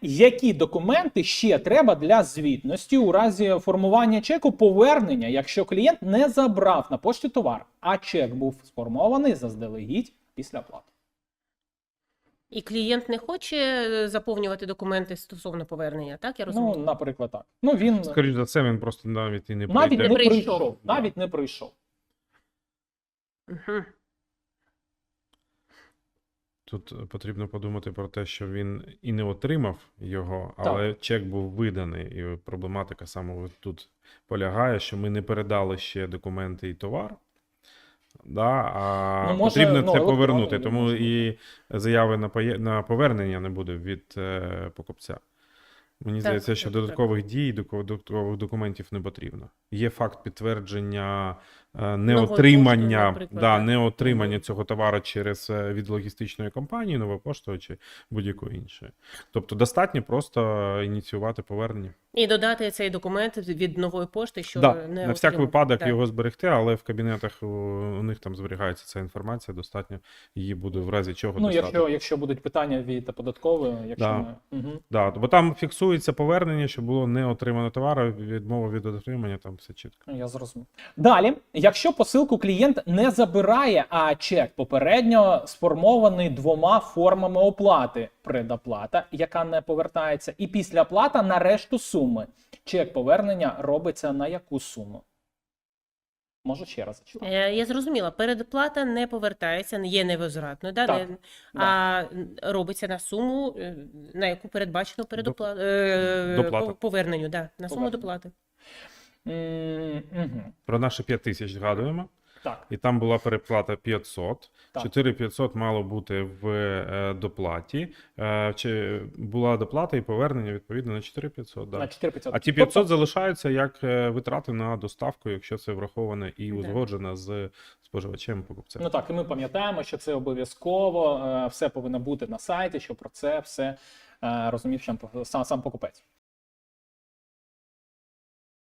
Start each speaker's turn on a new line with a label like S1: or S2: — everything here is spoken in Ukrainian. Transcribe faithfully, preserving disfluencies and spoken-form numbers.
S1: які документи ще треба для звітності у разі формування чеку повернення, якщо клієнт не забрав на пошті товар, а чек був сформований заздалегідь після оплати?
S2: І клієнт не хоче заповнювати документи стосовно повернення, так? Я розумію?
S1: Ну, наприклад, так. Ну, він
S3: Скоріше за все, він просто навіть і не
S1: навіть
S3: прийде.
S1: не
S2: прийшов.
S1: прийшов. Навіть не прийшов.
S2: Угу.
S3: Тут потрібно подумати про те, що він і не отримав його, але чек був виданий. І проблематика саме тут полягає, що ми не передали ще документи і товар. Да, а
S1: Ну, може,
S3: потрібно
S1: ну,
S3: це
S1: електронно
S3: повернути,
S1: не
S3: тому
S1: можна.
S3: і заяви на, поє... на повернення не буде від е, покупця. Мені
S2: Так,
S3: здається, що
S2: так, так.
S3: додаткових дій, додаткових документів не потрібно. Є факт підтвердження е,
S2: Нової
S3: неотримання,
S2: пошти, наприклад,
S3: да,
S2: так.
S3: неотримання
S2: Мгм.
S3: цього товару через е, від логістичної компанії, Нова Пошта чи будь-якої іншої. Тобто достатньо просто ініціювати повернення.
S2: І додати цей документ від нової пошти, що
S3: Да,
S2: не
S3: на всяк
S2: отримав.
S3: випадок
S2: Так.
S3: його зберегти, але в кабінетах у, у них там зберігається ця інформація, достатньо її буде в разі чого
S1: Ну,
S3: достатньо.
S1: якщо, якщо будуть питання від податкової, якщо
S3: Да.
S1: ми... Угу.
S3: Да, бо там фіксується повернення, що було не отримано товару, відмова від отримання, там все чітко.
S1: Я зрозумів. Далі, якщо посилку клієнт не забирає, а чек попередньо сформований двома формами оплати: предоплата, яка не повертається, і післяплата на решту суми. Чек повернення робиться на яку суму? Можу ще раз зачитати.
S2: Е, Я зрозуміла, передплата не повертається, не є невозвратною, да?
S1: Так,
S2: не,
S1: да.
S2: а робиться на суму, е, на яку передбачено передопла... е,
S3: Доплата.
S2: по- поверненню, да, на суму
S1: Повернення.
S2: доплати.
S1: М, мгм.
S3: Про наші п'ять тисяч згадуємо,
S1: Так,
S3: і там була переплата п'ятсот.
S1: Так.
S3: чотири тисячі п'ятсот мало бути в е, доплаті. Е, чи була доплата і повернення відповідно на чотири тисячі п'ятсот. Да.
S1: на чотири тисячі п'ятсот.
S3: А ті п'ятсот залишаються як е, витрати на доставку, якщо це враховане і
S2: Да.
S3: узгоджено з споживачем покупцем.
S1: Ну так, і ми пам'ятаємо, що це обов'язково, е, все повинно бути на сайті, що про це все е, розумів сам, сам, сам покупець.